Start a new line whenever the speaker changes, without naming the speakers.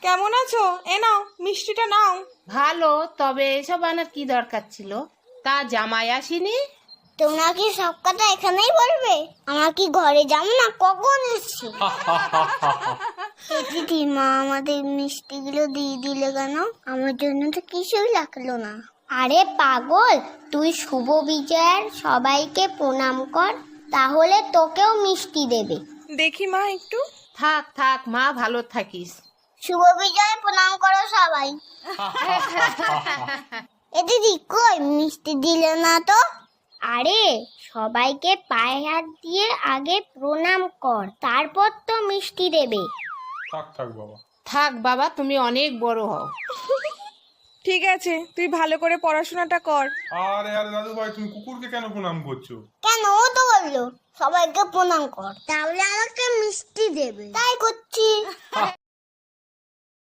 কেমন আছো? এ নাও মিষ্টিটা নাও।
ভালো, তবে এসব আনার কি দরকার ছিল? তা জামাই আসেনি?
তোমরা কি সব কথা এখানেই বলবে? আমার কি ঘরে যাবো না? কখন এসছি? দিদি, মা আমাদের মিষ্টিগুলো দিয়ে দিলে কেন? আমার জন্য তো কিছুই লাগলো না। আরে পাগল, তুই শুভ বিজয়ের সবাইকে প্রণাম কর, তাহলে তোকেও মিষ্টি দেবে।
দেখি মা একটু।
থাক থাক মা, ভালো থাকিস।
শুভ বিজয় প্রণাম করো সবাই। এ দিদি, কই মিষ্টি দিলে না তো? আরে সবাইকে পায়ে হাত দিয়ে আগে প্রণাম কর, তারপর তো মিষ্টি দেবে।
থাক থাক বাবা।
থাক বাবা, তুমি অনেক বড় হও।
ঠিক আছে, তুই ভালো করে পড়াশোনাটা কর।
আরে আরে দাদু ভাই, তুমি কুকুরকে কেন প্রণাম করছো?
কেন, ও তো বললো সবাইকে প্রণাম কর, তাহলে আমাকে মিষ্টি দেবে, তাই করছি।